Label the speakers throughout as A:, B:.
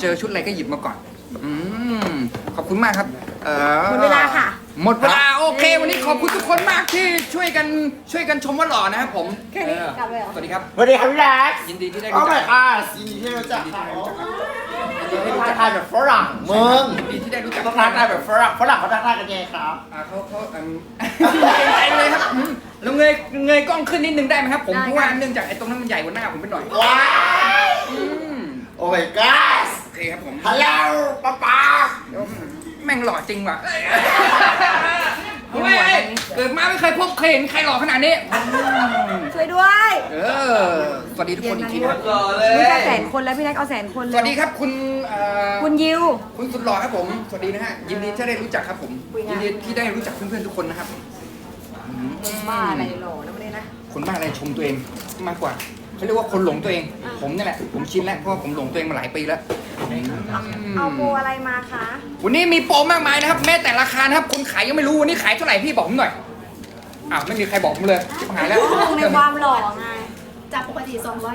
A: เจอชุดอะไรก็หยิบมาก่อนขอบคุณมากครับ
B: หมดเวลาค่ะ
A: หมดเวลาโอเค วันนี้ขอบคุณทุกคนมากที่ช่วยกันชมว่าหล่อนะครับผม
B: แค่นี้กลับเลยเหรอ
A: สวัสดีครับ
C: สวัสดีครับพี่แล็ก
A: ยินดีที่ได้
C: โอ้
A: รู้จั
C: my
A: ก
C: god ยินดีที่ได้รู้จักค่ะทักทายแบบฝรั่งมึง
A: ยินดีที่ได้รู้จัก
C: ต้องทักทายแบบฝรั่งเขาทักทายกันยังไงครับ
A: เขาใจเลยครับแล้วเงยกล้องขึ้นนิดนึงได้ไหมครับผมเพราะว่าเนื่องจากไอ้ตรงนั้นมันใหญ่กว่าหน้าผมไปหน่อย
C: ว้ายโอ้ my god
A: โอเคครับผม
C: ฮัลโหลป๊า
A: แม่งหล่อจริงว่ะเฮ้ยเกิดมาไม่เคยเห็นใครหล่อขนาดนี้
B: ช่วยด้วย
A: สวัสดีทุกคนอีกทีนะครับ
B: นี่จะ100,000 คนแล้วพี่แน็กเอา100,000 คน
A: ส
B: เลย
A: วัสดีครับคุณ
B: คุณยิว
A: คุณสุดหล่อครับผมสวัสดีนะฮะยินดีที่ได้รู้จักครับผม
B: คุยงาน
A: ยินดีที่ได้รู้จักเพื่อนๆทุกคนนะครับ
B: บ้าอะไรหล่อนะไม่ได้นะ
A: คนบ้าอะไรชมตัวเองมากกว่าเขาเรียกว่าคนหลงตัวเอง ผมนี่แหละผมชินแล้วเพราะว่าผมหลงตัวเองมาหลายปีแล้ว
B: เอาโปรอะไรมาคะ
A: วันนี้มีโปรมากมายนะครับแม้แต่ราคานะครับคนขายยังไม่รู้วันนี้ขายเท่าไหร่พี่บอกผมหน่อยอ้าวไม่มีใครบอกผมเลยชิบหายแล้ว
B: ลงในความหล่อไง
D: จากปกติ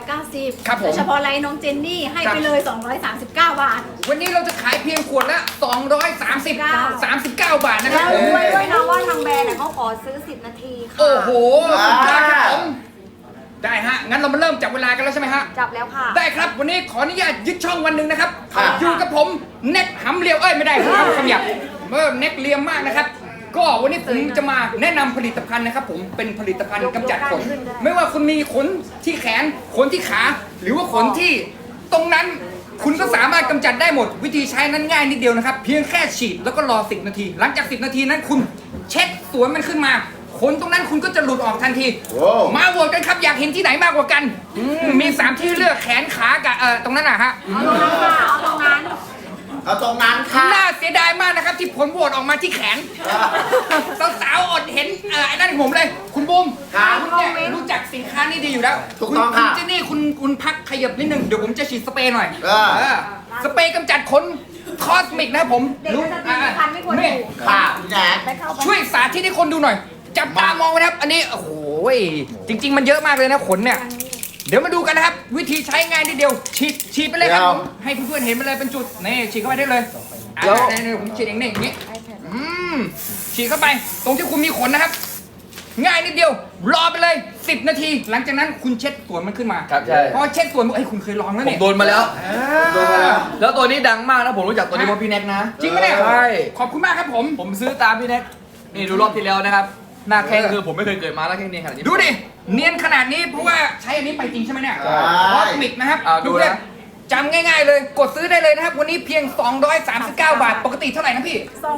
D: 290
A: ครับผม
D: เฉพาะไลน์น้องเจนนี่ให้ไปเลย 239 บาท
A: วันนี้เราจะขายเพียงขวดละ239 บาทนะค
B: แล้
A: รับ
B: วรู้ไว้ด้วยนะว่าทางแบรนด์เขาขอซื้อ10 นาทีค่ะ
A: โอ้โหสุดยอดครับผมได้ฮะงั้นเรามาเริ่มจับเวลากันแล้วใช่ไหมฮะ
B: จับแล้วค่ะ
A: ได้ครับวันนี้ขออนุญาตยึดช่องวันหนึ่งนะครับอยู่กับผมเน็กหำเลียวไม่ได้ผมทำคำหยาบเน็กเลียมมากนะครับก็วันนี้ผมจะมาแนะนำผลิตภัณฑ์นะครับผมเป็นผลิตภัณฑ์กำจัดขนไม่ว่าคุณมีขนที่แขนขนที่ขาหรือว่าขนที่ตรงนั้นคุณก็สามารถกำจัดได้หมดวิธีใช้นั้นง่ายนิดเดียวนะครับเพียงแค่ฉีดแล้วก็รอ10 นาที หลังจาก10 นาทีนั้นคุณเช็ดสวนมันขึ้นมาขนตรงนั้นคุณก็จะหลุดออกทันทีมาโหวตกันครับอยากเห็นที่ไหนมากกว่ากันมี3ที่เลือกแขนขากับตรงนั้นนะฮะ
B: เอาตรงนั้นค่ะเอาตรงนั้น
C: เอาตรงนั้นค่ะ
A: น่าเสียดายมากนะครับที่ผลโหวตออกมาที่แขนสาวๆอดเห็นไอ้นั่นผมเลย คุณบูมคุณเนี่ยรู้จักสินค้านี้ดีอยู่แล้ว
C: ถูกต้อง
A: คุ
C: ค่ะ
A: ณเจนนี่คุณพักขยับนิดนึงเดี๋ยวผมจะฉีดสเปรย์หน่อย สเปรย์กำจัดขนคอสมิกนะครับผม
B: เด็กก็จะตีพันไม่ควรอยู่
C: ค่ะพี่แล็ก
B: ไปเข้าไป
A: ช่วยสาธิตให้คนดูหน่อย จับตามองไว้นะครับ อันนี้โอ้โหจริง ๆ มันเยอะมากเลยนะขนเนี่ย เดี๋ยวมาดูกันนะครับ วิธีใช้ง่ายนิดเดียวฉีดไปเลยครับผมให้เพื่อนๆเห็นไปเลยเป็นจุดนี่ฉีดเข้าไปได้เลยแล้วผมฉีดเองนี่อย่างนี้ฉีดเข้าไปตรงที่คุณมีขนนะครับ ง่ายนิดเดียวรอไปเลย10 นาที หลังจากนั้นคุณเช็ดส่วนมันขึ้นมา
E: ครับใช่
A: พอเช็ดส่วนเอ้ยคุณเคยลองแล้ว
E: ผม
A: เนี่ย
E: โดนมาแล้ว
C: โดนมาแล้ว
E: แล้วตัวนี้ดังมากนะผมรู้จักตัวนี้เพราะพี่แน็กนะ
A: จริงไหมเนี่ย
E: ใช่
A: ขอบคุณมากครับผม
E: ผมซื้อตามพี่แน็กนี่ดูรอบที่แล้วนะครับ หน้าแข้งคือผมไม่เคยเกิดมาหน้าแข้งนี้ขนาดนี้
A: ดูดิเนียนขนาดนี้เพราะว่าใช้อันนี้ไปจริงใช่ไหมเนี่ย
C: ใช่
A: คอสมิกนะครับ
E: ดูนะ
A: จำง่ายๆเลยกดซื้อได้เลยนะครับ วันนี้เพียง 239 บาท ปกติเท่าไหร่นะพี่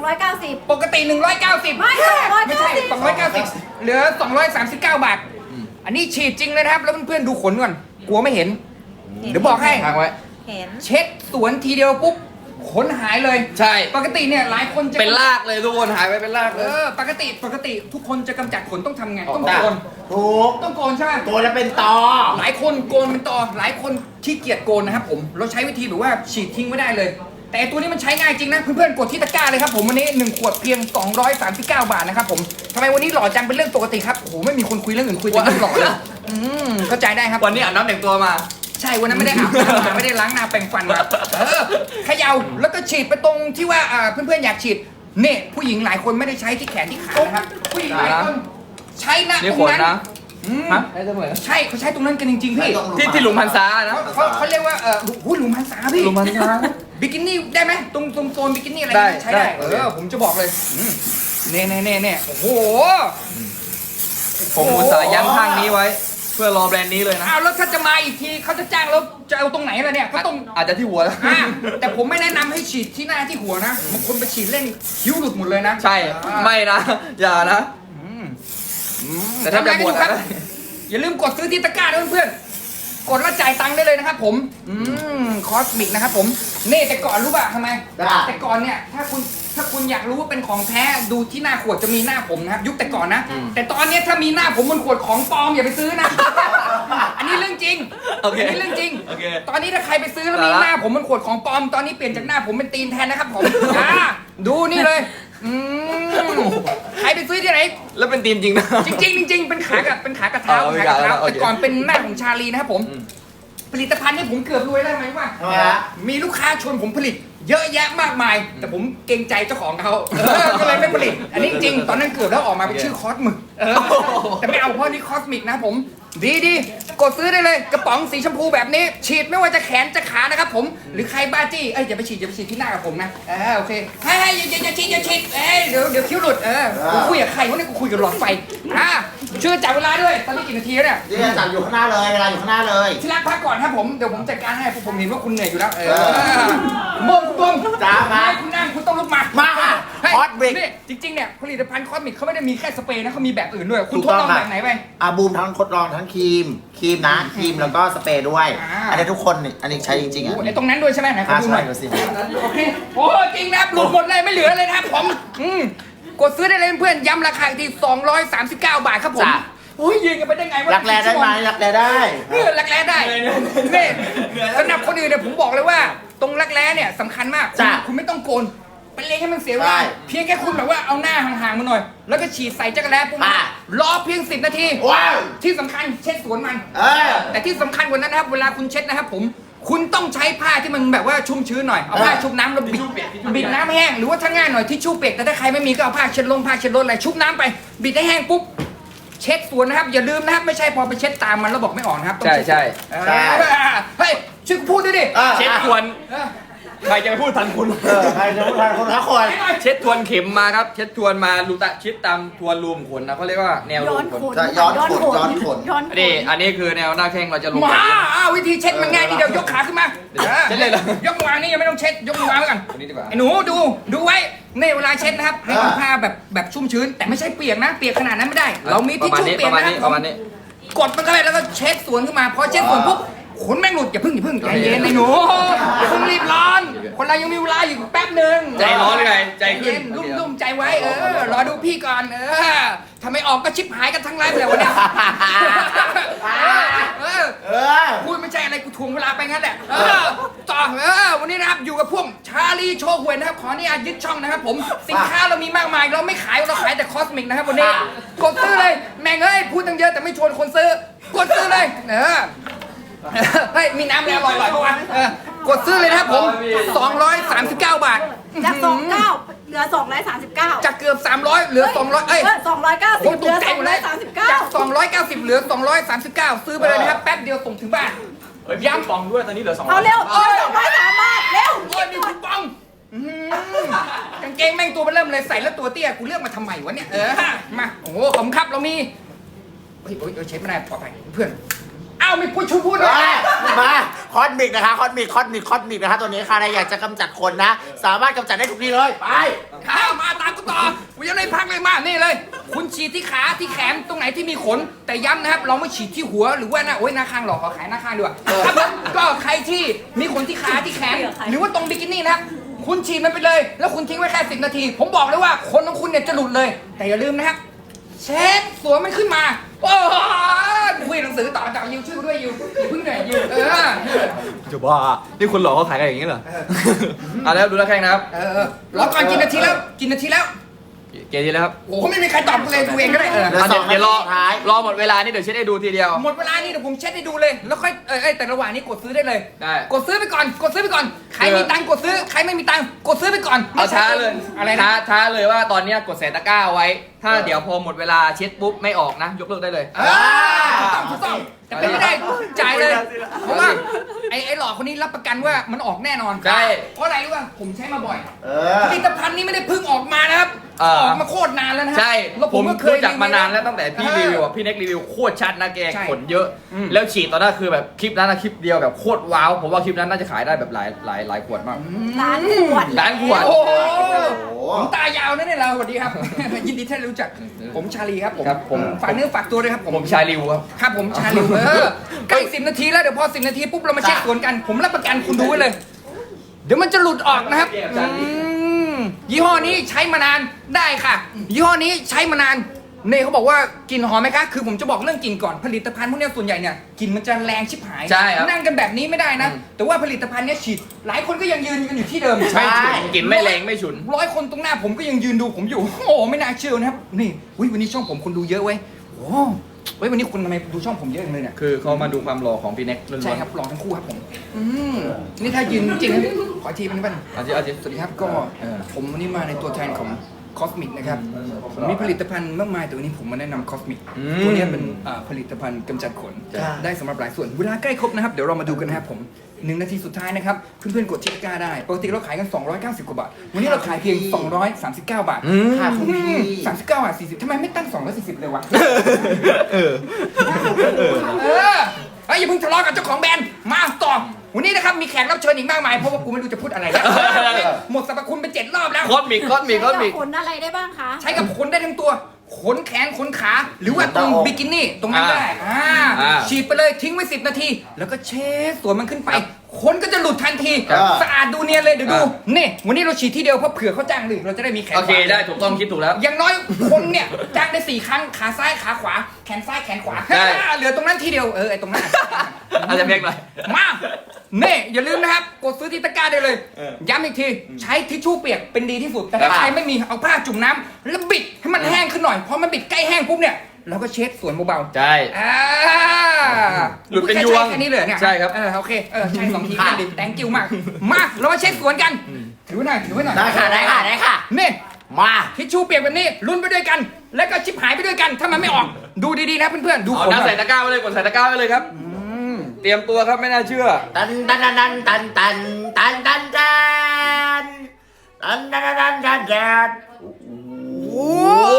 D: 290
A: ปกติ 190
D: ไม่
A: ไม่ใช่290เหลือ 239 บาท อันนี้ฉีดจริงเลยนะครับ แล้วเพื่อนๆดูขนก่อนกลัวไม่เห็น เดี๋ยวบอกให้
E: ทางไว้
B: เห็น
A: เช็ดสวนทีเดียวปุ๊บขนหายเลย
E: ใช่
A: ปกติเนี่ยหลายคนจะ
E: เป็นลากเลยทุกคนหายไปเป็นลากเลย
A: ปกติทุกคนจะกำจัดขนต้องทำไงต้องโกน
C: ถูก
A: ต้องโกนใช่ไหม
C: ตัวแล้วเป็นตอ
A: หลายคนโกนเป็นตอหลายคนขี้เกียจโกนนะครับผมเราใช้วิธีแบบว่าฉีดทิ้งไม่ได้เลย แต่ตัวนี้มันใช้ง่ายจริงนะเพื่อนๆกดที่ตะกร้าเลยครับผมวันนี้1 ขวดเพียง 239 บาทนะครับผมทำไมวันนี้หล่อจังเป็นเรื่องปกติครับโอ้โหไม่มีคนคุยเรื่องอื่นคุยแต่เรื่องหล่อเลยเข้าใจได้ครับ
E: วันนี้อาบน้ำแต่งตัวมา
A: ใช่วันนั้นไม่ได้อาบน้ำมาไม่ได้ล้างหน้าแปรงฟันมาเขย่าแล้วก็ฉีดไปตรงที่ว่าเพื่อนๆอยากฉีดเนี่ยผู้หญิงหลายคนไม่ได้ใช้ที่แขนที่ขานะครับผู้หญิงหลายคนใช้หน้า
E: นี่
A: ตร
E: ข
A: ง
E: น
A: นั้น
E: นะฮะได้เสมอ
A: ใช่เขาใช้ตรงนั้นกันจริงๆพี่
E: ที่หลุมพันษานะ
A: เขาเรียกว่าหูหลุมพันษาพี่
E: หลุมพันษา
A: บิกินี่ได้ไหมตรงโซนบิกินี่อะไร
E: ได้
A: ใช้ได้
E: ได้
A: ผมจะบอกเลยเน่โอ้โห
E: ผมอุตส่าห์ยั้งข้างนี้ไว้ เพื่อรอแบรนด์นี้เลยนะ
A: อ้าวแล้วถ้าจะมาอีกทีเขาจะจ้างแล้วจะเอาตรงไหนล่ะเนี่ยก็ต้อง
E: อาจจะที่หัวแล้ว
A: แต่ผมไม่แนะนำให้ฉีดที่หน้าที่หัวนะบางคนไปฉีดเล่นคิ้วหลุดหมดเลยนะ
E: ใช่ไม่นะ อย่านะ แต่ถ้าจะบวช
A: ทำไงก็ดูครับ
E: นะ
A: อย่าลืมกดซื้อที่ตะกร้าด้วยเพื่อนๆกดแล้วจ่ายตังค์ได้เลยนะครับผมคอสมิกนะครับผมนี่แต่ก่อนรู้ป่ะทำไม แต่ก่อนเนี่ยถ้าคุณอยากรู้ว่าเป็นของแท้ดูที่หน้าขวดจะมีหน้าผมนะครับยุคแต่ก่อนนะ แต่ตอนเนี้ยถ้ามีหน้าผมบนขวดของปลอมอย่าไปซื้อนะ อันนี้เรื่องจริง
E: โอเค
A: อันนี้เรื่องจริง
E: โอเค
A: ตอนนี้ถ้าใครไปซื้อแล้วมีหน้าผมบนขวดของปลอมตอนนี้เปลี่ยนจากหน้าผมเป็นตีนแทนนะครับผมดูนี่เลยใครไปซื้อที่ไหน
E: แล้วเป็นทีมจริงนะ
A: จริงๆเป็นขากระเท้า
E: เอา
A: ขากระเท้า
E: เอา
A: แต่ก่อนเป็นหน้าของชาลีนะครับผมผลิตภัณฑ์นี่ผมเกือบรวยได้ไหมว่า
C: ทำไมฮะ
A: มีลูกค้าชวนผมผลิต เยอะแยะมากมาย แต่ผมเกรงใจเจ้าของเขาก็เลยไม่ผลิต อันนี้จริงตอนนั้นเกือบแล้วออกมาเป็นชื่อคอสมึกแต่ไม่เอาเพราะนี่คอสมิกนะผมดีกดซื้อได้เลยกระป๋องสีชมพูแบบนี้ ฉีดไม่ว่าจะแขนจะขานะครับผมหรือใครบ้าจี้อย่าไปฉีดที่หน้ากับผมนะโอเคให้อย่าฉีดเดี๋ยวคิ้วหลุดกูคุยกับใครวะเนี่ยกูคุยกับหลอดไฟช่วยจับเวลาด้วยตอนนี้กี่นาทีแล้วเนี่ย
C: นี่จับอยู่ข้างหน้าเลยเวลาอยู่ข้างหน้าเลย
A: ที่รักพักก่อนครับผมเดี๋ยวผมจัดการให้เพราะผมเห็นว่าคุณเหนื่อยอยู่แล้วมงคุณ
C: จ้ามา
A: คุณนั่งคุณต้องลุกมา
C: มาค่ะ
A: ฮ้ย
C: Hot Brick
A: นี่จริงๆเนี่ยผลิตภัณฑ์คอสมิกเขาไม่ได้มีแค่สเปรย์นะเขามีแบบอื่นด้วยคุณทดลองแบบไหนไป
C: บูมทั้งทดลองทั้งครีมนะครีมแล้วก็สเปรย์ด้วย อันนี้ทุกคนนี่อันนี้ใช้จริงๆอ่ะ
A: ไอ้ตรงนั้นด้วยใช่ไหมไหนขอดูหน่อย
C: ดูสิ
A: โอเคโอ้จริงนะครับหลุดหมดเลยไม่เหลือเลยนะครับผมกดซื้อได้เลยเพื่อนย้ำราคาอีกที239 บาทครับผมโอ้ยยืนกันไปได้ไงวะ
C: รักแร้ได้ไหมรักแร้ได้
A: รักแร้ได้นี่สำหรับคนอื่นเนี่ยผมบอกเลยว่า ตรงรักแร้เนี่ยสำคัญมากคุณไม่ต้องโกนไปเลี้ยงให้มันเสียเวลาเพียงแค่คุณแบบว่าเอาหน้าห่างๆมาหน่อย แล้วก็ฉีดใส่จักรแร้ปุ๊บรอเพียง10 นาที
C: ว้าว
A: ที่สำคัญเช็ดสวนมันแต่ที่สำคัญกว่านั้นนะครับเวลาคุณเช็ดนะครับผมคุณต้องใช้ผ้าที่มันแบบว่าชุ่มชื้นหน่อยเอาผ้าชุบน้ำแล้วบิดน้ำแห้งหรือว่าถ้าง่ายหน่อยทิชชู่เปียกแต่ถ้าใครไม่มีก็เอาผ้าเช็ดลมผ้าเช็ดรถอะไรชุบน้ำไปบิดให้แห้งปุ๊บเช็ดสวนนะครับอย่าลืมนะครับไม่ใช่พอไปเช็ดตามมันแล้วบอกไม่ออกนะครับต้องเช็ด
E: ใช่
A: เฮ้ยช่วยพูดด้วยดิ
E: เช็ดทวนใครจะไปพูดทันคุณ
C: ใครจะพูดทันคนละคน
E: เช็ดทวนเข็มมาครับ เช็ดทวนมารูตะชิดตามทวนรูมขนนะเขาเรียกว่าแนวรู
D: ย้อ
E: ม
D: น
E: ข
D: ข
E: น
D: น
C: ย้อนขนย้อนขน
D: ย้อนขน
E: อันนี้คือแนวหน้าแข้งเราจะลง
A: มาวิธีเช็ดมันง่ายนิดเดียวยกขาขึ้นมา
E: เช็ดเลยเหรอย
A: กมือวางนี่ยังไม่ต้องเช็ดยกมือวางไว้ก่อน
E: อันนี้ดีกว่า
A: ไอ้หนูดูไว้ในเวลาเช็ดนะครับให้ผ้าแบบชุ่มชื้น แต่ไม่ใช่เปียกนะเปียกขนาดนั้นไม่ได้ เรามีทิชชู่เปียกนะครับ
E: ประมาณนี้
A: กดมันเข้าไปแล้วก็เช็ดสวนขึ้นมาพอเช็ดสวนปุ๊บขนแม่งหลุดอย่าพึ่งใจเย็นไอ้หนูอย่าเพิ่งรีบร้อนคนเรายังมีเวลาอยู่แป๊บหนึ่ง
E: ใจร้อนเลยไงใจขึ้น
A: เย็นรุ่มใจไว้รอดูพี่ก่อนทำไมออกก็ชิบหายกันทั้งไลฟ์เลยวันเนี้ยพูดไม่ใช่อะไรกูทวงเวลาไปงั้นแหละต่อวันนี้นะครับอยู่กับพวกชาลีโชว์หวยนะครับขออนุญาตยึดช่องนะครับผมสินค้าเรามีมากมายเราไม่ขายเราขายแต่คอสมิกนะครับวันนี้กดซื้อเลยแม่งพูดตั้งเยอะแต่ไม่ชวนคนซื้อกดซื้อเลยเฮ้ยมีน้ำแล้วอร่อยๆปะวะกดซื้อเลยนะครับผม239 บาท
D: จาก29เหลือ239
A: จากเกือบ300เหลือ200เอ้ย
D: 290
A: ผม
D: เห
A: ต
D: ลื
A: ก
D: อ
A: ใจหมดเลยจาก290เหลือ239ซื้อไปเลยนะครับแป๊บเดียวส่งถึงบ้าน
E: ย้ำปองด้วยตอนนี้เหลือ2
D: เอาเร็ว203 บาทเร็ว
A: โอ้ยมีคูปองกางเกงแม่งตัวมันเริ่มเลยใส่แล้วตัวเตี้ยกูเลือกมาทำไมวะเนี่ยมาโอ้โหขอบคุณครับเรามีเฮ้ยเช็ดไม่ได้ปลอดภัยเพื่อนอ้าวมีผู้ชูพูดด้วย
C: มาคอสมิกนะคะคอสมิกนะคะตัวนี้ค่ะใครอยากจะกำจัดคนนะ สามารถกำจัดได้ทุกที่เลยไป
A: ข้าวมาตามกูต่อกูยังไม่พักเลยมานี่เลย คุณฉีดที่ขาที่แขนตรงไหนที่มีขน แต่ย้ำนะครับเราไม่ฉีดที่หัวหรือว่าหน้าโอ้ยหน้าข้างหรอกขอขายหน้าข้างดีกว่าครับผมก็ใครที่มีขนที่ขาที่แขนหรือว่าตรงบิกินี่นะครับคุณฉีดมันไปเลย แล้วคุณทิ้งไว้แค่10 นาที ผมบอกเลยว่าขนของคุณเนี่ยจะหลุดเลย แต่อย่าลืมนะครับเช็ดสวมมันขึ้นมาโอ้ยคุยหนังสือต่อจากยิวชื่อด้วยยิวพึ่งหน่อยยิว
E: จะบ้านี่คนหลอกเขาขายกันอย่างนี้เหรอแล้วดูหน้าแข้งนะครับ
A: รอก่อนกินนาทีแล้วเกทีแล้วครับ โอ้โหไม่มีใครตอบเลยดูเองก็ได้
C: เหลือ2
E: เดี๋ยวรอ
C: นาทีสุดท้าย
E: รอหมดเวลานี่เดี๋ยวเช็ดให้ดูทีเดียว
A: หมดเวลานี่เดี๋ยวผมเช็ดให้ดูเลย แล้วค่อยแต่ระหว่างนี้กดซื้อได้เลย
E: ได้
A: กดซื้อไปก่อนใครมีตังค์กดซื้อใครไม่มีตังค์กดซื้อไปก่อน
E: เอาช้าเลย
A: อะไรนะ
E: ช้าเลยว่าตอนเนี้ยกดใส่ตะกร้าไว้ ถ้าเดี๋ยวพอหมดเวลาเช็ดปุ๊บไม่ออกนะ ยกเลิกได้เลย
A: ถูกต้องแต่ไม่ได้จ่ายเลยเพราะว่าไอ้หลอกคนนี้รับประกันว่ามันออกแน่นอน
E: ใช่
A: เพราะอะไรรู้ป่ะผมใช้มาบ่อย
C: เอ
A: ผลิตภัณฑ์นี้ไม่ได้เพิ่งออกมานะครับออกมาโคตรนานแล้วนะ
E: ใช่
A: แล้ว
E: ผม
A: ก็เคย
E: รู้จักมานานแล้วตั้งแต่พี่รีวิวพี่เน็กรีวิวโคตรชัดนะแก
A: ใช่
E: ขนเยอะ แล้วฉีดตอนนั้นคือแบบคลิปนั้นนะคลิปเดียวแบบโคตรว้าวผมว่าคลิปนั้นน่าจะขายได้แบบหลายขวดมาก
D: ล้านขวด
E: ล้านขวด
A: โอ้โหผมตายาวนะเนี่ยเราสวัสดีครับ ยินดีที่ได้รู้จักผมชาลีครับผม
E: ครับผม
A: ฝากเนื้อฝากตัวด้วยครับ
E: ผมชาลิวครับ
A: ครับผมชาลีใกล้10 นาทีแล้วเดี๋ยวพอ10 นาทีปุ๊บเรามาเช็คสวนกัน ผมรับประกันคุณดูไว้เลย เดี๋ยวมันจะหลุดออกนะครับยี่ห้อนี้ใช้มานานได้ค่ะ ยี่ห้อนี้ใช้มานานเน่เขาบอกว่ากลิ่นหอมไหมคะคือผมจะบอกเรื่องกลิ่นก่อนผลิตภัณฑ์พวกนี้ส่วนใหญ่เนี่ยกลิ่นมันจะแรงชิบหาย
E: ใช่ครับ
A: นั่งกันแบบนี้ไม่ได้นะ แต่ว่าผลิตภัณฑ์เนี้ยฉีดหลายคนก็ยังยืนกันอยู่ที่เดิม
E: ไม่ฉุนกลิ่นไม่แรงไม่ฉุน
A: 100 คนตรงหน้าผมก็ยังยืนดูผมอยู่ โอ้โหไม่น่าเชื่อนะครับนี่วันนี้ช่องผมคนดูเยอะเว้ยโอ้เฮ้ยวันนี้คุณทำไมดูช่องผมเยอะจังเลยเนี่ย
E: คือเขามาดูความหล่อของพี่เน็กล้วนๆ
A: ใช่ครับหล่อทั้งคู่ครับผมนี่ถ้ายืนจริงนะขออีกทีเป็นบ้าง
E: อาทิตย์อาทิตย์
A: สวัสดีครับก็ผมวันนี้มาในตัวแทนของคอสมิกนะครับผมมีผลิตภัณฑ์มากมายแต่วันนี้ผมมาแนะนำคอสมิกตัวนี้เป็นผลิตภัณฑ์กำจัดขนได้สำหรับหลายส่วนเวลาใกล้ครบนะครับเดี๋ยวเรามาดูกันนะครับผม1 นาทีสุดท้ายนะครับเพื่อนๆกดที่ตะกร้าได้ปกติเราขายกัน290กว่าบาทวันนี้เราขายเพียง239 บาทค่าคง39 บาท 40ทำไมไม่ตั้ง240เลยวะเฮ้ยอย่าเพิ่งทะเลาะกับเจ้าของแบรนด์มาต่อวันนี้นะครับมีแขกรับเชิญอีกมากมายเพราะว่ากูไม่รู้จะพูดอะไรแล้วหมดสรรพคุณไป7 รอบแล้ว
E: คอสมิก
D: ขนอะไรได้บ้างคะ
A: ใช้กับขนได้ทั้งตัวขนแขนขนขาหรือว่าตรงบิกินี่ตรงนั้นได้ฉีดไปเลยทิ้งไว้10 นาทีแล้วก็เช็ดส่วนมันขึ้นไปขนก็จะหลุดทันทีสะอาดดูเนียนเลยเดี๋ยวดูนี่วันนี้เราฉีดที่เดียวเพราะเผื่อเขาจ้างหนึ่งเราจะได้มีแขน
E: โอเคได้ถูกต้องคิดถูกแล้ว
A: อย่างน้อยคนเนี่ยจ้างได้4 ครั้งขาซ้ายขาขวาแขนซ้ายแขนขวาเหลือตรงนั้นทีเดียวไอ้ตรงนั้น
E: อาจจะเพียงหน่อย
A: มาเน่อย่าลืมนะครับกดซื้อที่ตะกร้าได้เลยย้ำอีกทีใช้ทิชชู่เปียกเป็นดีที่สุดแต่ถ้าใครไม่มีเอาผ้าจุ่มน้ำแล้วบิดให้มันแห้งขึ้นหน่อยพอมันบิดใกล้แห้งปุ๊บเนี่ยเราก็เช็ดส่วนเบาๆ
E: ใช่ หลุดเป็นยวง
A: แค่นี้เลยเนี่ย
E: ใช่ครับ
A: โอเคใช่2 ทีก็ดี thank you มากมาเรามาเช็ดสวนกันถือไว้หน่อย
C: ได้ค่ะ
A: นี่
C: มา
A: ทิชชู่เปียกแบบนี้ลุ้นไปด้วยกัน แล้วก็ชิบหายไปด้วยกันถ้ามันไม่ออกดูดีๆนะเพื่อนๆดู
E: เอา
A: ผล
E: น้ำใส่ตะกร้าไว้เลยกดใส่ตะกร้าไว้เลยครับเตรียมตัวครับไม่น่าเชื่อ
C: ตัน
A: โอ้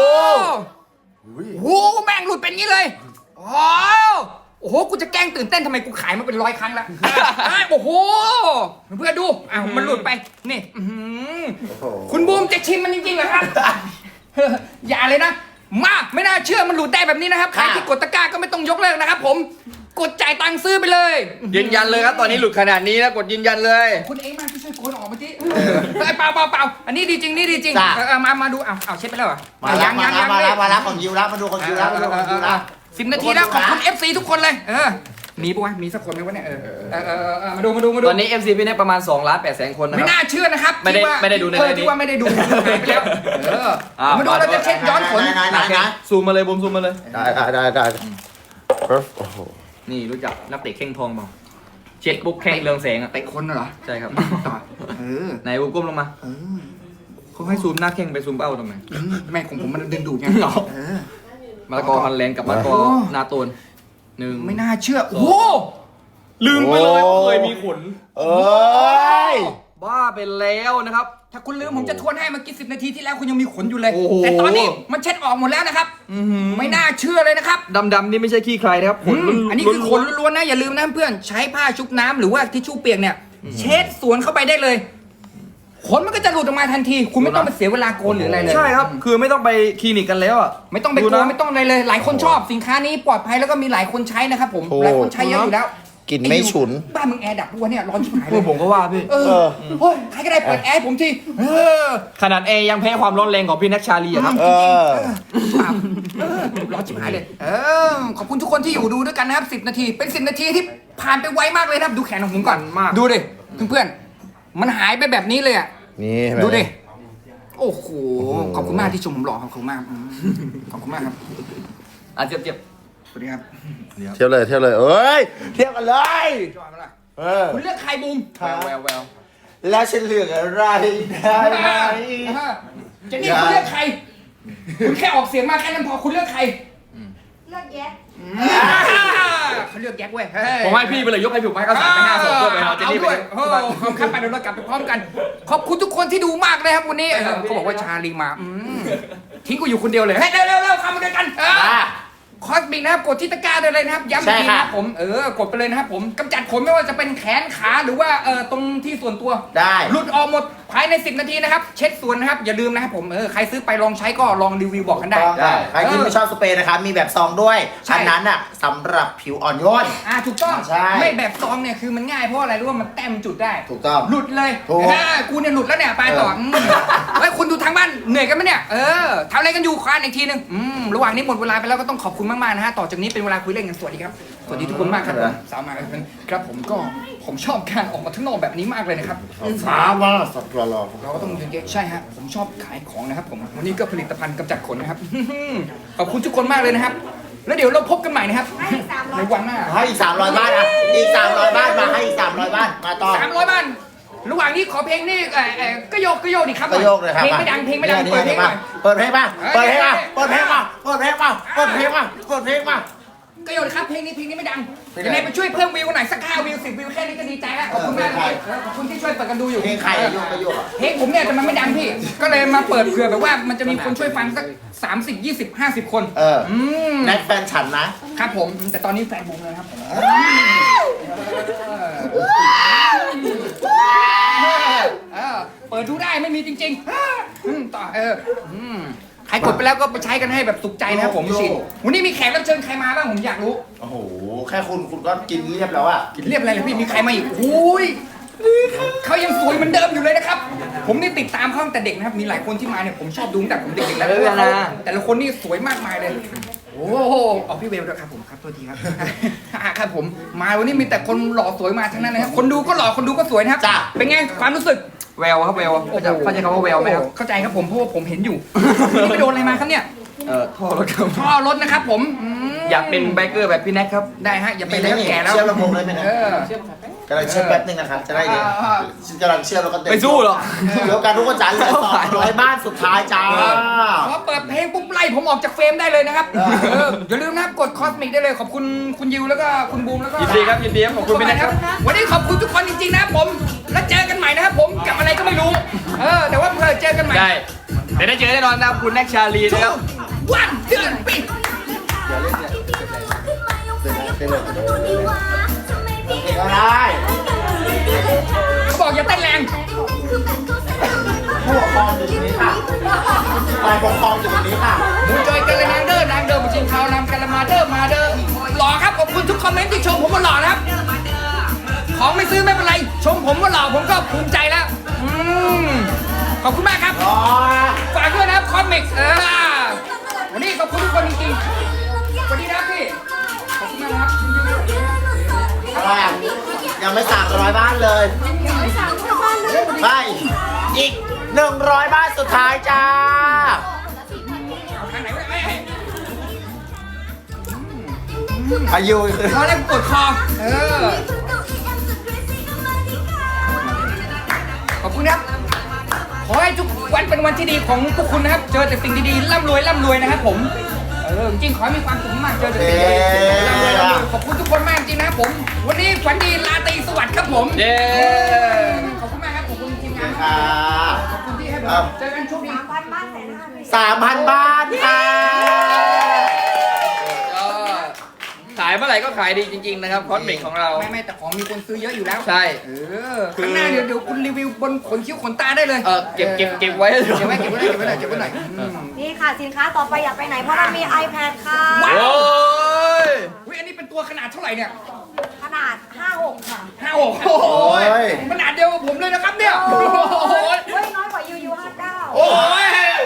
A: โหแม่งหลุดเป็นงี้เลยโอ้โหกูจะแกล้งตื่นเต้นทำไมกูขายมาเป็น100 ครั้งแล้วโอ้โหเพื่อนดูมันหลุดไปนี่คุณบูมจะชิมมันจริงๆเหรอครับอย่าเลยนะมาไม่น่าเชื่อมันหลุดได้แบบนี้นะครับใครที่กดตะกร้าก็ไม่ต้องยกเลิกนะครับผมกดจ่ายตังค์ซื้อไปเลย
E: ยืนยันเลยครับตอนนี้หลุดขนาดนี้นะกดยืนยันเลย
A: คุณเองมาช่วยโกนออกมาที่เปล่าอันนี้ดีจริงมาดูเอาเช็ดไปแล้วเหรอ
C: มาแล้วของยิวแล้วมาดูของยิวแล้ว
A: 10 นาทีแล้วขอบคุณ FC ทุกคนเลยมีปะวะมีสักคนไหมวะเนี่ยมาดู
E: ตอนนี้ MC พี่เน็กประมาณ2,800,000 คนนะค
A: ไม่
E: รับ
A: น่าเชื่อนะครับ
E: ไม่ได้ดูในนี้
A: ที่ว่าไม่ได้ดูแล้วมาดูเราจะเช็ดย้อนผล
E: ซูมมาเลยบูมซูมมาเลย
C: ได้
E: นี่รู้จักนักเตะเข่งทองเปล่าเช็ดปุ๊บแข่งเรืองแสงอ่ะ
A: เตะคนเหรอ
E: ใช่ครับ
A: ไหน
E: ไหนบูมก้มลงมาเขาให้ซูมหน้าแข่งไปซูมเป้าตรงไหน
A: แม่ของผมมันดึงดูดไง
E: มะละกอฮอลแลนด์กับมะละกอนาโตน1
A: ไม่น่าเชื่อโอ้
E: ลืมไปเลยเคยมีขน
C: ย
E: บ้าไปแล้วนะครับ
A: ถ้าคุณลืมผมจะทวนให้เมื่อกี้10 นาทีที่แล้วคุณยังมีขนอยู่เลย
E: โอ้โห
A: แต่ตอนนี้มันเช็ดออกหมดแล้วนะครับไม่น่าเชื่อเลยนะครับ
E: ดำๆนี่ไม่ใช่ขี้ใครนะครับขน
A: อันนี้คือขนล้วนๆนะอย่าลืมนะเพื่อนใช้ผ้าชุบน้ำหรือว่าทิชชู่เปียกเนี่ยเช็ดสวนเข้าไปได้เลยขนมันก็จะหลุดออกมาทันทีคุณไม่ต้องไปเสียเวลาโกนหรืออะไรเลย
E: ใช่ครับคือไม่ต้องไปคลินิกกันแล้วอ่ะ
A: ไม่ต้องไปโกนไม่ต้องอะไรเลย หลายคนชอบสินค้านี้ปลอดภัยแล้วก็มีหลายคนใช้นะครับผมหลายคนใช้เยอะอยู่แล้ว
C: กินไม่ฉุน
A: บ้านมึงแอร์ดับตัวเนี่ยร้อนชิบหายเล
E: เพื่อย ผมก็ว่าพี่
A: โอ้ยใครก็ได้เปิดแอร์ผมที
E: ขนาดเอยังแพ้ความร้อนแรงของพี่นักชาลีอะครับ
A: ร้อนชิบหายเลยขอบคุณทุกคนที่อยู่ดูด้วยกันนะครับ10 นาทีเป็น10 นาทีที่ผ่านไปไวมากเลยนะครับดูแขนของผมก่อน
E: มาก
A: ดูดิเพื่อนๆมันหายไปแบบนี้เลยอ่ะ
C: นี่
A: ดูดิโอ้โหขอบคุณมากที่ชมผมหล่อขอบคุณมากขอบคุณมากครับ
E: เจ็บ
A: สวัสดีครับ
C: เที่ยวเลยเอ้ยเที่ยวกันเลย
A: จอยมาละ
C: คุ
A: คุณณเลือกใครบูม
E: แวว
C: แล้วฉันเลือกอะไรได้ไหม
A: เจนนี่คุณเลือกใครคุณแค่ออกเสียงมาแค่นั้นพอคุณเลือกใคร
B: เลือกแยะ
A: เขาเลือกแก๊กเว้ย
E: ผมให้พี่ไปเลยยกให้พี่ผมให้เขา3 ไป 5 2ตัวไปเอาเจนนี่ไป
A: ด้วยข้ามไปเดี๋ยวเรากลับไปพร้อมกัน ขอบคุณทุกคนที่ดูมากเลยครับวันนี้เขาบอกว่าชาลีมาทิ้งกูอยู่คนเดียวเลยเฮ้ยเร็วเข้ามาด้วยกันคอสบิกนะครับกดที่ตะกร้าได้เลยนะครับย้ำอีกทีนะครับผมกดไปเลยนะครับผมกำจัดขนไม่ว่าจะเป็นแขนขาหรือว่าตรงที่ส่วนตัว
C: ได้
A: หลุดออกหมดภายใน10 นาทีนะครับเช็ดส่วนนะครับอย่าลืมนะครับผมใครซื้อไปลองใช้ก็ลองรีวิวบอกกันได้
C: ใครที่ไม่ชอบสเปรย์นะคะมีแบบซองด้วยอันนั้นอ่ะสำหรับผิวอ่อนโยน
A: ถูกต้อง
C: ใช่
A: ไม่แบบซองเนี่ยคือมันง่ายเพราะอะไรรู้ว่ามันแต้มจุดได้
C: ถูกต้อง
A: หลุดเลย
C: ถูก
A: กูเนี่ยหลุดแล้วเนี่ยไปต่อเฮ้ยคุณดูทางบ้านเหนื่อยกันไหมเนี่ยทำอะไรกันอยู่ควานอีกทีนึงระหว่างนี้หมดเวลาไปแล้วก็ต้องขอบคุณมากๆนะฮะต่อจากนี้เป็นเวลาคุยเล่นกันสวัสดีครับสวัสดีทุกคนมากครับสาวมาครับผมชอบการออกมาข้างนอกแบบนี้มากเลยนะครับ
C: สามว่าสัตว์รอ
A: เราก็ต้องยืนเยอะใช่ฮะผมชอบขายของนะครับผมวันนี้ก็ผลิตภัณฑ์กำจัดขนนะครับ ขอบคุณทุกคนมากเลยนะครับแล้วเดี๋ยวเราพบกันใหม่นะครับ
B: ให้อีก300
A: ในวันหน้า
C: ให้อีก300 บ้านอ่ะอีก300 บ้านมาให้อีก300 บ้านมาต่อ
A: 300 บ้าน ระหว่างนี้ขอเพลงนี่ก็โยกดิครับ
C: ก็โยกเลยครับ
A: เพลงไม่ดังเพลงไม่ดังเปิดเพลงหน่อย
C: เปิดเพลงมาเปิดเพลงมาเปิดเพลงมาเปิดเพลงมาเปิดเพลงมาเปิดเพลงมา
A: ก็โยนครับเพลงนี้ไม่ดัง
C: เพลงอะไร
A: ยังไงไปช่วยเพิ่มวิวหน่อยสัก5 วิว 10 วิวแค่นี้ก็ดีใจแล้วขอบคุณมาก
C: เพลงใคร
A: ขอบคุณที่ช่วยเปิดกันดูอยู่
C: เพลงใครอะโยกก็โยกอ่ะ
A: เพลงผมเนี่ยแต่มันไม่ดังพี่ ก็เลยมาเปิดเผื่อแบบว่ามันจะมีคนช่วยฟังสัก30 20 50 คน ม
C: แน็กแฟนฉันนะครับ
A: ผมแต่ตอนนี้แฟนบูมเลยครับผมเปิดดูได้ไม่มีจริงๆต่อใครกดไปแล้วก็ไปใช้กันให้แบบสุขใจนะครับผมสิวันนี้มีแขกรับเชิญใครมาบ้างผมอยากรู้
C: โอ้โหแค่คุณก็กินเรียบแล้วอ่ะ
A: กินเรียบอะไรเลยพี่มีใครมาอีกอุ้ยเขายังสวยเหมือนเดิมอยู่เลยนะครับ ผมนี่ติดตามเขาตั้งแต่เด็กนะครับมีหลายคนที่มาเนี่ยผมชอบดูตั้งแต่ผมเด็กๆแล้วแต่ละคนนี่สวยมากมายเลย โอ้โหเอาพี่เวลด้วยครับผมครับตัวทีครับ ครับผมมาวันนี้มีแต่คนหล่อสวยมาทั้งนั้นนะครับคนดูก็หล่อคนดูก็สวยนะครับ
C: จ้ะ
A: เป็นไงความรู้สึก
E: แววครับแววเข้าใจคำว่าแววไหมครับ
A: เข้าใจครับผมเพราะว่าผมเห็นอยู่ นี่ไม่โดนอะไรมาครับเนี่ย
E: ท่อรถครับ
A: ท่อรถนะครับผม
E: อยากเป็นไบเกอร์แบบพี่แน็กครับ
A: ได้ฮะอย่าไปแล้วแก่แล้ว
C: เชื่อมลำโพงเลยไหมนะ
A: เออ
C: กำลังเชื่อมแป๊บนึงนะครับจะได้เดี๋ยวกำลังเชื่อมแล้วก็เต็ม
E: ไปสู้เหรอ
C: เดี๋ยวกันทุกคนจ๋าเหลือ200 บ้านสุดท้ายจ้า
A: พอเปิดเพลงปุ๊บไล่ผมออกจากเฟรมได้เลยนะครับอย่าลืมนะครับกดคอสมิกได้เลยขอบคุณคุณยิวแล้วก็คุณบูมแล้วก็
E: ยินดีครับยินดีครับขอบคุณพี่แน็กครับ
A: วันนี้ขอบคุณทุกคนจริงๆนะครับผมแล้วเจอกันใหม่นะครับผมกับอะไรก็ไม่รู้แต่ว่าเจอกันใหม่
E: ได้แต่ได้เจอแน่นอนนะครับคุณแน็กชาลีนะครับ
A: วันเดือนปี
C: ก็ได้
A: เขาบอกอย่าเต้นแรง
C: ผู้ปกครองอยู่ตรงนี้ค่ะฝ่ายปกครองอยู่ตรงนี้ค่ะ
A: มูจอยกันเลยนางเดิมจริงเขานำกันละมาเดิมหล่อครับขอบคุณทุกคอมเมนต์ที่ชมผมว่าหล่อนะครับของไม่ซื้อไม่เป็นไรชมผมว่าหล่อผมก็ภูมิใจแล้วขอบคุณมากครับ
C: อ๋อ
A: ฝากด้วยนะครับคอมิกวันนี้ขอบคุณทุกคนจริงๆสวัสดีนะครับพี่ขอบคุณมากนะครับ
C: อะไรอ่ะยังไม่300 บ้านเลยไม่อีก100 บ้านสุดท้ายจ้า
A: เอาทางไหนวะเนี่ย
C: อายุ
A: พอแล้วปวดคอขอบคุณครับขอให้ทุกวันเป็นวันที่ดีของพวกคุณนะครับ เจอแต่สิ่งดีๆร่ำรวยนะครับผมจริงๆขอให้มีความสุขมากเจอแต่สิ่งดีๆร่ำรวยขอบคุณทุกคนมากจริงนะครับผม วันนี้ฝันดีราตรีสวัสดิ์ครับผม
E: เย้
A: ขอบคุณมากครับขอบคุณทีมงาน
C: ค่ะ
A: ขอบคุณที่ให้ผมเจอกันโชคดี
B: 3,000 บ้าน1,500,000
C: 3,000 บ้านค่ะ
E: ก็ขายเมื่อไหร่ก็ขายดีจริงๆนะครับคอสมิกของเรา
A: ไม่แต่ของมีคนซื้อเยอะอยู่แล้ว
E: ใช่
A: ข้างหน้าเดี๋ยวคุณรีวิวบนขนคิ้วขนตาได้เลย
E: เก็บไว้
A: เก็บไว้หน่อย
B: นี่ค่ะสินค้าต่อไปอยากไปไหนเพราะเรามี iPad ค่ะ
E: โอ้ย
A: อุ้ยอันนี้เป็นตัวขนาดเท่าไหร่เนี่ย
B: ขนาด 56 ค่ะ
A: โอ้โหขนาดเดียวกับผมเลยนะครับเนี่ยโอ้โห
B: เฮ้ยน้อยกว่ายู59
A: โอ้ย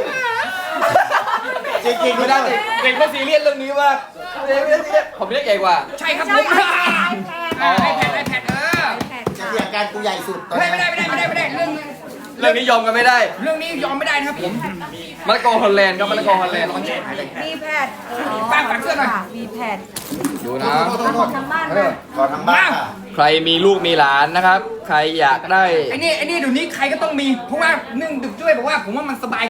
C: จริงๆ
E: ไม่
C: ไม่
E: ได้
C: ได้
E: เด็กก็ซีเรียสเรื่องนี้มากผมเรียกใหญ่กว่า
A: ใช่ครับผ
B: ใช่
A: ม
B: iPad
C: จะเรียกการกูใหญ่สุดตอน
A: ไม่
C: นี้
A: ได้เรื่อง
E: เรื่องนี้ยอมกันไม่ได้
A: นี้ยอมไม่ได้นะครับผม
E: มะละกอฮอลแลนด์ครับมะละกอฮอลแลนด์
B: มีแพด
A: ป้าฝากเสื้อหน่อย
B: มีแพด
E: ดูนะ
B: ของทางบ้านค่ะ
C: ขอทำบ้านค่ะ
E: ใครมีลูกมีหลานนะครับ ใครอยากได้
A: ไอ้นี่เดี๋ยวนี้ใครก็ต้องมีเพราะว่าเนื่องดึกด้วยบอกว่าผมว่ามันสบาย